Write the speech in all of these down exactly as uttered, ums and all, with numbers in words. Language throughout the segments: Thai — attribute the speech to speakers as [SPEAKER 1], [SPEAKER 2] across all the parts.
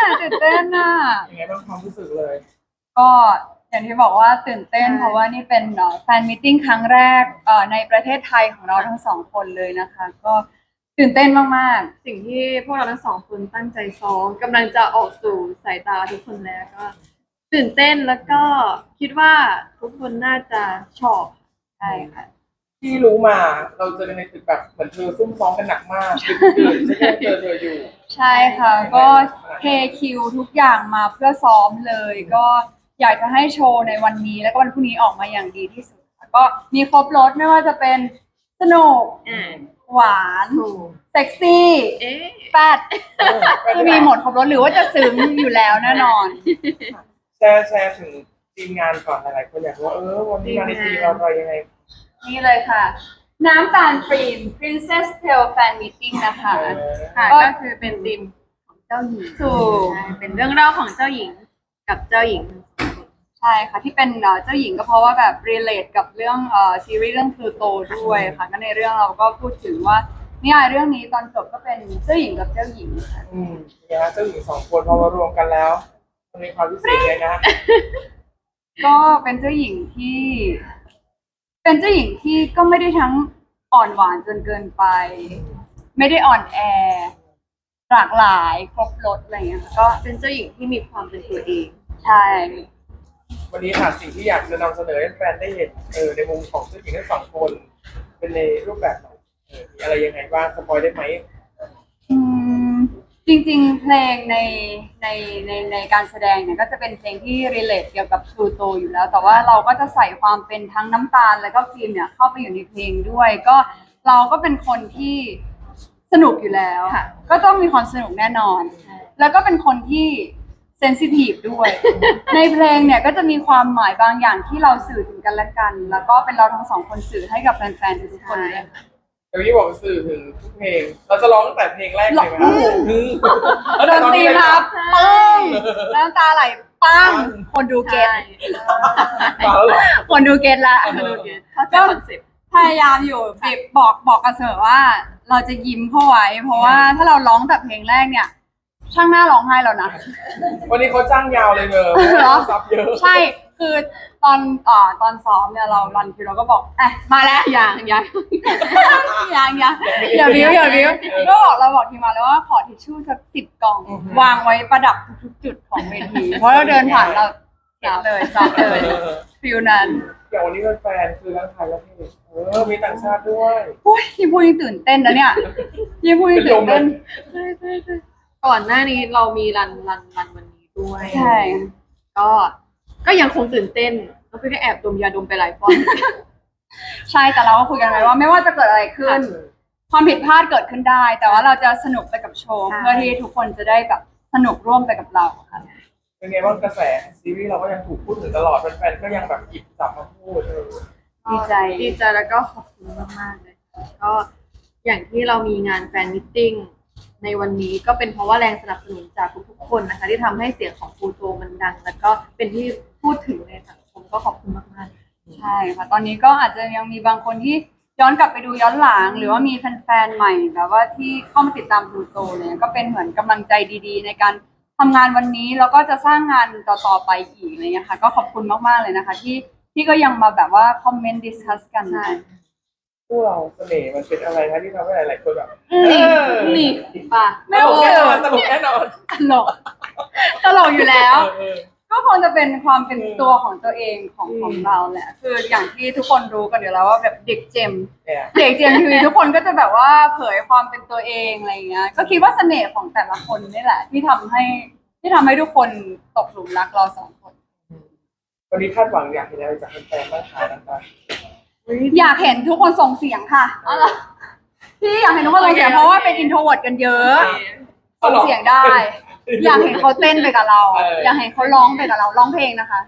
[SPEAKER 1] ตื่นเต้นอ่ะ
[SPEAKER 2] ยังไงบ้างความรู้สึกเลย
[SPEAKER 1] ก็อย่างที่บอกว่าตื่นเต้นเพราะว่านี่เป็นแฟนมิทติ้งครั้งแรกในประเทศไทยของเราทั้งสองคนเลยนะคะก็ตื่นเต้นมาก
[SPEAKER 3] ๆสิ่งที่พวกเราทั้งสองคนตั้งใจซ้อมกำลังจะออกสู่สายตาทุกคนแล้วก็ตื่นเต้นแล้วก็คิดว่าทุกคนน่าจะชอบ
[SPEAKER 1] ใช่ค่ะ
[SPEAKER 2] ที่รู้มาเราเจอกันในตึกแบบเหมือนเธอซุ่มซ้อมกันหนักมากตื่นๆไม่ใช่เจอเธออยู่
[SPEAKER 1] ใช่ค่ะก็เทคิวทุกอย่างมาเพื่อซ้อมเลยก็อยากจะให้โชว์ในวันนี้แล้วก็วันพรุ่งนี้ออกมาอย่างดีที่สุดก็มีครบรสไม่ว่าจะเป็นสนุกหวานเซ็กซี่แฟดคือมีหมดครบรสหรือว่าจะซึ้งอยู่แล้วแน่นอน
[SPEAKER 2] แชร์แชร์ถึงทีมงานก่อนหลายๆคนอยากรู้ว่าเออวันนี้มาในทีมเราอะไรยังไง
[SPEAKER 1] นี่เลยค่ะน้ำตาลฟรีน Princess Tale Fan Meeting นะคะ
[SPEAKER 3] ค่ะก็คือเป็นทีมของเจ้าหญิง
[SPEAKER 1] ถูก
[SPEAKER 3] เป็นเรื่องเล่าของเจ้าหญิงกับเจ้าหญิง
[SPEAKER 1] ใช่ค่ะที่เป็นเจ้าหญิงก็เพราะว่าแบบ relate กับเรื่องซีรีส์เรื่องพลูโตด้วยค่ะก็ในเรื่องเราก็พูดถึงว่านิยายเรื่องนี้ตอนจบก็เป็นเจ้าหญิงกับเจ้าหญิงค่ะ
[SPEAKER 2] อืมเนี่ยเจ้าหญิงสองคนพอมารวมกันแล้วมันมีความพิเศษเลยนะ
[SPEAKER 1] ก็เป็นเจ้าหญิงที่เป็นเจ้าหญิงที่ก็ไม่ได้ทั้งอ่อนหวานจนเกินไปไม่ได้อ่อนแอหลากหลายครบรสอะไรเงี้ยก็
[SPEAKER 3] เป็นเจ้าหญิงที่มีความเป็นตัวเอง
[SPEAKER 1] ใช่
[SPEAKER 2] วันนี้ค่ะสิ่งที่อยากจะนำเสนอให้แฟนได้เห็นเออในมุมของเจ้าหญิงทั้งสองคนเป็นในรูปแบบไหนเออมีอะไรยังไงบ้างสปอยได้ไหม
[SPEAKER 1] อืมจริงๆเพลงในในในในการแสดงเนี่ยก็จะเป็นเพลงที่ relate เกี่ยวกับพลูโตอยู่แล้วแต่ว่าเราก็จะใส่ความเป็นทั้งน้ำตาลแล้วก็ฟิล์มเนี่ยเข้าไปอยู่ในเพลงด้วยก็เราก็เป็นคนที่สนุกอยู่แล้วก็ต้องมีความสนุกแน่นอนแล้วก็เป็นคนที่เซนซิทีฟด้วยในเพลงเนี่ยก็จะมีความหมายบางอย่างที่เราสื่อถึงกันและกันแล้วก็เป็นเราทั้งสองคนสื่อให้กับแฟนๆทุกคนเลย
[SPEAKER 2] เดี๋ยวพี่บอกสื่อถึงทุกเพลงเราจะร้องตั้งแต่เพลงแรกเลยไหมครับ
[SPEAKER 1] ดนตรีครับปึ้งน้ำตาไหลปั้งคนดูเก็ตคนดูเก็ตละก็พยายามอยู่บอกบอกกันเสมอว่าเราจะยิ้มเข้าไว้เพราะว่าถ้าเราร้องแต่เพลงแรกเนี่ยช่างหน้าร้องไห้แล้วนะ
[SPEAKER 2] วันนี้เขาจ้างยาวเลยเนอะซับเยอะ
[SPEAKER 1] ใช่คือตอนอ่อตอนซ้อมเนี่ยเรารันคิวเราก็บอกเอ๊ะมาแล้วอย่างอย่างอย่างอย่างอย่าบิ้วอย่าบิ้วก็บอกเราบอกทีมมาแล้วว่าขอทิชชู่สักสิบกล่องวางไว้ประดับทุกจุดของเวทีเพราะเราเดินผ่านเราเก็บเลยซับเลยฟิลนั้น
[SPEAKER 2] อย่างวันนี้เป็นแฟนคือทั้งไทยและที่เออมีต่างชาติด้วย
[SPEAKER 1] โอ้ยยิ่งพูดยิ่งตื่นเต้นนะเนี่ยยิ่งพูดยิ่งตื่นเต้น
[SPEAKER 3] ใช่ใช่ใช่ก่อนหน้านี้เรามีรันรันรันวันนี้ด้วย
[SPEAKER 1] ใช่
[SPEAKER 3] ก็ก็ยังคงตื่นเต้นแล้วพี่ก็แอบดมยาดมไปหลายฟอง
[SPEAKER 1] ใช่แต่เราก็คุยกันไว้ว่าไม่ว่าจะเกิดอะไรขึ้นความผิดพลาดเกิดขึ้นได้แต่ว่าเราจะสนุกไปกับโชว์เพื่อที่ทุกคนจะได้แบบสนุกร่วมไปกับเราค่ะ
[SPEAKER 2] เป็นไงบ้างกระแสซีรีส์เราก็ยังถูกพูดถึงตลอดแฟนๆก็ยังแบบหยิบจับมาพูด
[SPEAKER 1] ดีใจ
[SPEAKER 3] ดีใจแล้วก็ขอบคุณมากๆเลยก็อย่างที่เรามีงานแฟนมิทติ้งในวันนี้ก็เป็นเพราะว่าแรงสนับสนุนจากทุกๆคนนะคะที่ทำให้เสียงของพลูโตมันดังแล้วก็เป็นที่พูดถึงในสังคมก็ขอบคุณมาก
[SPEAKER 1] ๆใช่ค่ะตอนนี้ก็อาจจะยังมีบางคนที่ย้อนกลับไปดูย้อนหลังหรือว่ามีแฟนๆใหม่แบบว่าที่เข้ามาติดตามพลูโตเนี่ยก็เป็นเหมือนกำลังใจดีๆในการทำงานวันนี้แล้วก็จะสร้างงานต่อๆไปอีกอะไรอย่างเงี้ยค่ะก็ขอบคุณมากๆเลยนะคะที่ที่ก็ยังมาแบบว่าคอมเมนต์ดิสคัสกัน
[SPEAKER 2] พวกเราเสน่ห์มันเป็นอะไรคะที่ทำให้หลายๆคนแบบ
[SPEAKER 1] นี่นี่ป่ะ
[SPEAKER 2] ไม่ตลกแน่นอนตลกแน่นอน
[SPEAKER 1] ตลกตลกอยู่แล้วก็คงจะเป็นความเป็นตัวของตัวเองของของเราแหละคืออย่างที่ทุกคนรู้กันอยู่แล้วว่าแบบเด็กเจมเด็กเจมทีวีทุกคนก็จะแบบว่าเผยความเป็นตัวเองอะไรเงี้ยก็คิดว่าเสน่ห์ของแต่ละคนนี่แหละที่ทำให้ที่ทำให้ทุกคนตกหลุมรักเราสองคน
[SPEAKER 2] วันนี้คาดหวังอยากเห็นอะไรจากแฟนๆบ้างคะนะคะ
[SPEAKER 1] อยากเห็นทุกคนส่งเสียงค่ะที่อยากเห็นทุกคนส่งเสียงเพราะว่าเป็นอินโทรเวิร์ตกันเยอะส่งเสียงได้อยากเห็นเขาเต้นไปกับเราอยากเห็นเขาร้องไปกับเราร้องเพลงนะคะ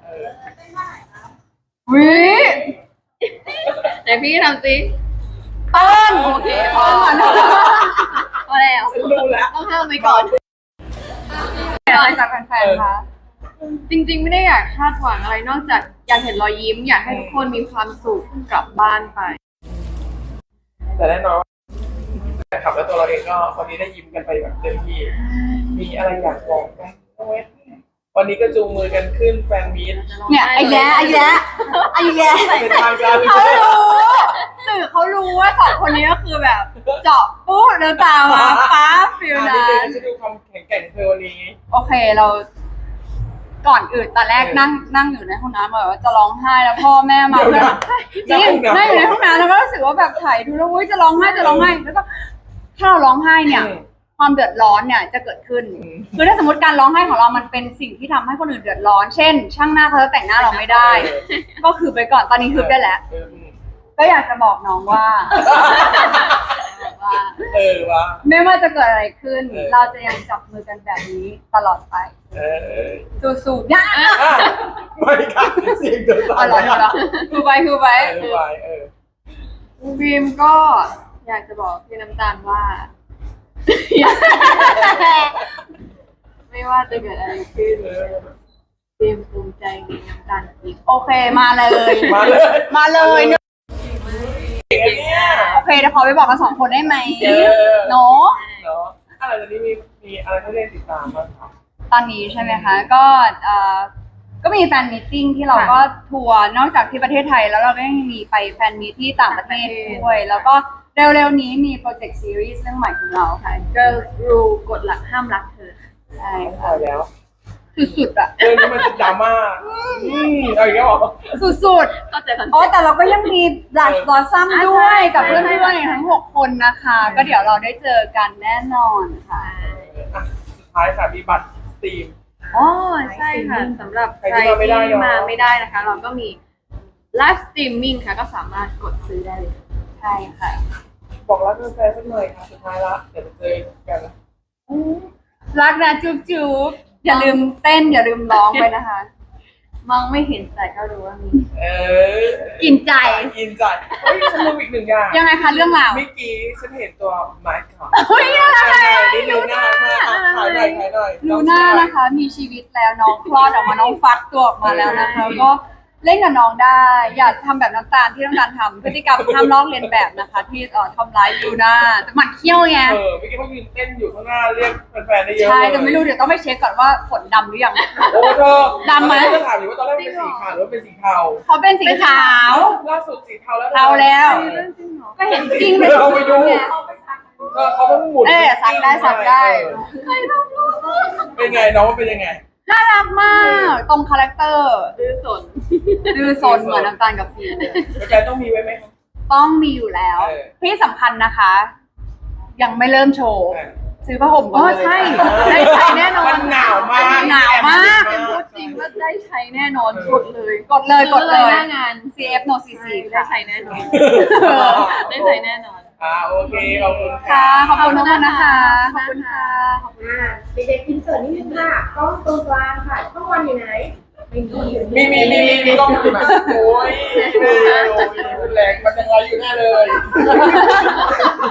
[SPEAKER 1] วิ
[SPEAKER 3] แต่พี่ทำสิ
[SPEAKER 1] เต้น
[SPEAKER 3] โอเคพอพอแล้วต้องห้ามไปก่อน
[SPEAKER 1] อะไรจากแฟนๆคะ
[SPEAKER 3] จริงๆไม่ได้อยากคาดหวังอะไรนอกจากอยากเห็นรอยยิ้มอยากให้ทุกคนมีความสุขกลับบ้านไป
[SPEAKER 2] แต่แน่นอนแต่ขับแล้วตัวเราเองก็คนนี้ได้ยิ้มกันไปแบบเต็มที่มีอะไรอยากบอกไหมวันนี้ก็จูงมือกันขึ้นแฟนมีต
[SPEAKER 1] เนี่ยไอ้แย่ไอ้แย่ไอ้แย่
[SPEAKER 2] เป็นทางการ
[SPEAKER 1] เขารู้สื่อเขารู้ว่าสองคนนี้ก็คือแบบ เจาะปุ๊บเดินตามมาป้าฟิล
[SPEAKER 2] อัน
[SPEAKER 1] นั้
[SPEAKER 2] นี้
[SPEAKER 1] น
[SPEAKER 2] จะดูความแข็งแกร่งของเธอวันนี้
[SPEAKER 1] โอเคเรา ก่อนอื่นตอนแรกนั่งนั่งอยู่ในห้องน้ำแบบว่าจะร้องไห้แล้วพ่อแม่มา
[SPEAKER 2] เดี๋ยว
[SPEAKER 1] เพื่อน
[SPEAKER 2] นะ
[SPEAKER 1] จริงนั่งอยู่ในห้องน้ำแล้วก็รู้สึกว่าแบบถ่ายดูแล้วอุ้ยจะร้องไห้จะร้องไห้แล้วก็ถ้าเราร้องไห้เนี่ย ความเดือดร้อนเนี่ยจะเกิดขึ้น
[SPEAKER 2] อืม
[SPEAKER 1] คือถ้าสมมติการร้องไห้ของเรามันเป็นสิ่งที่ทำให้คนอื่นเดือดร้อน เช่น ช่างหน้าเขาจะแต่งหน้าเราไม่ได้ ก็คือไปก่อนตอนนี้คือได้แล้ว
[SPEAKER 2] เออ
[SPEAKER 1] ก็อยากจะบอกน้องว่า ว่า
[SPEAKER 2] เออว่า
[SPEAKER 1] ไม่ว่าจะเกิดอะไรขึ้น
[SPEAKER 2] เออ
[SPEAKER 1] เราจะยังจับมือกันแบบนี้ตลอดไป
[SPEAKER 2] เออ
[SPEAKER 1] สู้ๆยาก
[SPEAKER 2] อ่ะไม่ค่ะเสียงเดิน
[SPEAKER 1] อ๋อเหรอเหรอเหรอคือไปคือไป
[SPEAKER 2] เออไปเออ
[SPEAKER 3] บีมก็อยากจะบอกพี่น้ำตาลว่า ไม่ว่าจะเกิดอะไรขึ้น
[SPEAKER 2] เออ
[SPEAKER 3] บีมภูมิใจในน้ำตาลอีก
[SPEAKER 1] โอเคมาเลย
[SPEAKER 2] มาเลย
[SPEAKER 1] มาเลย
[SPEAKER 2] เก่งอันเนี่ย
[SPEAKER 1] โอเคเดี๋ยวขอไปบอกกันสองคนได้ไหม
[SPEAKER 2] เออ
[SPEAKER 1] เนาะ
[SPEAKER 2] เนาะอะไรตอนนี้มีมีอะไรให้เล่นติดตามบ้างครับ
[SPEAKER 1] ตอนนี้ใช่ไหมคะ ก็เอ่อก็มีแฟนมีตติ้งที่เราก็ทัวร์นอกจากที่ประเทศไทยแล้วเราก็ยังมีไปแฟนมีตที่ต่างประเทศด้วย แล้วก็เร็วๆนี้มีโปรเจกต์ซีรีส์เรื่องใหม่ของเราค่ะ
[SPEAKER 3] Girl Rule กฎหลักห้ามรักเธอ
[SPEAKER 1] ใช่
[SPEAKER 2] พอแล้ว
[SPEAKER 1] สุดๆอะ
[SPEAKER 2] เรื่องนี้มันจะดราม่าอืมเอาอีกแล้วเหรอ
[SPEAKER 1] สุด
[SPEAKER 3] ก็เจอกัน
[SPEAKER 1] ๆอ๋อแต่เราก็ยังมีบลัชบอสซัมด้วยกับเพื่อนๆทั้งหกคนนะคะ ก็เดี๋ยวเราได้เจอกันแน่นอนค่ะ
[SPEAKER 2] อ่ะสุดท้ายค่ะมีบัตรสตรีม
[SPEAKER 3] อ๋อใช่ค่ะสำหรับ
[SPEAKER 2] ใคร
[SPEAKER 3] ใคร
[SPEAKER 2] ที่มาไม่ได้
[SPEAKER 3] ที่
[SPEAKER 2] เนอะ
[SPEAKER 3] มาไม่ได้นะคะ เราก็มีไลฟ์สตรีมมิ่งค่ะ ก็สามารถกดซื้อได้เลย
[SPEAKER 1] ใช่ค่ะ
[SPEAKER 2] บอกรักแฟนๆสักหน่อยค่ะสุดท้ายละเดี๋ยวจะเจอกัน
[SPEAKER 1] รักนะจุ๊บจุ๊บอย่าลืมเต้นอย่าลืมร้องไปนะคะ
[SPEAKER 3] มองไม่เห็นแต่ก็รู้ว่ามี
[SPEAKER 2] เออ
[SPEAKER 1] กินใจ
[SPEAKER 2] กินใจเฮ้ยฉันลืมอีกหนึ่งอย่าง
[SPEAKER 1] ยังไงคะเรื่องราว
[SPEAKER 2] เมื่อกี้ฉันเห็นตัวไม้ค่ะ
[SPEAKER 1] เฮ้ยน่ารัก
[SPEAKER 2] ใช่นิดนึงน่ารักมากถ่ายหน่อยถ่ายหน่อย
[SPEAKER 1] ลูน่านะคะ มีชีวิตแล้วน้องคลอดออกมาน้องฟักตัวออกมาแล้วนะคะก็เล่นกับน้องได้ อย่าทำแบบน้ำตาลที่น้ำตาลทำพฤติกรรมห้ามลอกเลียนแบบนะคะ ที่เอ่อทำร้ายลูน่าแต่หมันเขี้ยวไง
[SPEAKER 2] เออเมื่อกี้เขายืนเต้นอยู่ข้างหน้าเรียกแฟนๆได้เยอะ
[SPEAKER 1] ใช่
[SPEAKER 2] เลย
[SPEAKER 1] แต่ไม่รู้เดี๋ยวต้องไปเช็คก่อนว่าขนดำหรือยัง
[SPEAKER 2] โอ้เธอ
[SPEAKER 1] ดำไหม
[SPEAKER 2] ตอนแรกจะถามอยู่ว่าตอนแรกเป็นสีขาวหรือว่าเป็นสีเทา
[SPEAKER 1] เขาเป็นสีขาว
[SPEAKER 2] ล่าสุดสีเทาแล้ว
[SPEAKER 1] เทาแล้ว
[SPEAKER 3] เรื่องจริงเหรอ
[SPEAKER 1] ก็เห็นจริงเลย
[SPEAKER 2] เราไปดูเออเขาต้องหมุน
[SPEAKER 1] เออสักได้สักได้
[SPEAKER 2] เออเป็นไงน้องว่าเป็นยังไง
[SPEAKER 1] น่ารักมาก ตรงคาแรคเตอร์
[SPEAKER 3] ดื้อสน
[SPEAKER 1] ดื้อซนเหมือนน้ำตาลกับฟีเลย
[SPEAKER 2] แฟนๆต้องมีไว้ไหมครับ
[SPEAKER 1] ต้องมีอยู่แล้ว
[SPEAKER 2] เออ
[SPEAKER 1] ที่สำคัญนะคะ ยังไม่เริ่มโชว์
[SPEAKER 2] เออ
[SPEAKER 1] ซื้อผ้าห่มก่
[SPEAKER 3] อ๋
[SPEAKER 1] อ
[SPEAKER 3] อน
[SPEAKER 1] เลย
[SPEAKER 3] ใช่ ได้ใช้แน่นอน
[SPEAKER 2] มันหนาวมาก
[SPEAKER 1] หนาวมาก
[SPEAKER 3] เป็นพูดจริงว่าได้ใช้แน่นอนกดเลย
[SPEAKER 1] กดเลยกดเลย
[SPEAKER 3] หน้างาน
[SPEAKER 1] ซี เอฟ no ซี ซี
[SPEAKER 3] ได้
[SPEAKER 1] ค่ะ
[SPEAKER 3] ใช้แน่นอน ได้ใช้แน่นอน
[SPEAKER 2] อ่าโอเคขอบคุณ
[SPEAKER 1] ค่ะ
[SPEAKER 2] ค่ะ
[SPEAKER 1] ขอบคุณทุกคนนะคะ ขอบคุณค่ะ
[SPEAKER 4] อ่าเด็กๆอินเสิร์ตนิดนึงค่ะกล้องตรงกลางค่ะช่องวันอยู่ไหนไม่มีอยู่
[SPEAKER 2] มีมีมีมีมีต้องอยู่นะโอ้ยโอ้ยโอ้ยรุนแรงมันยังไงอยู่แน่เลย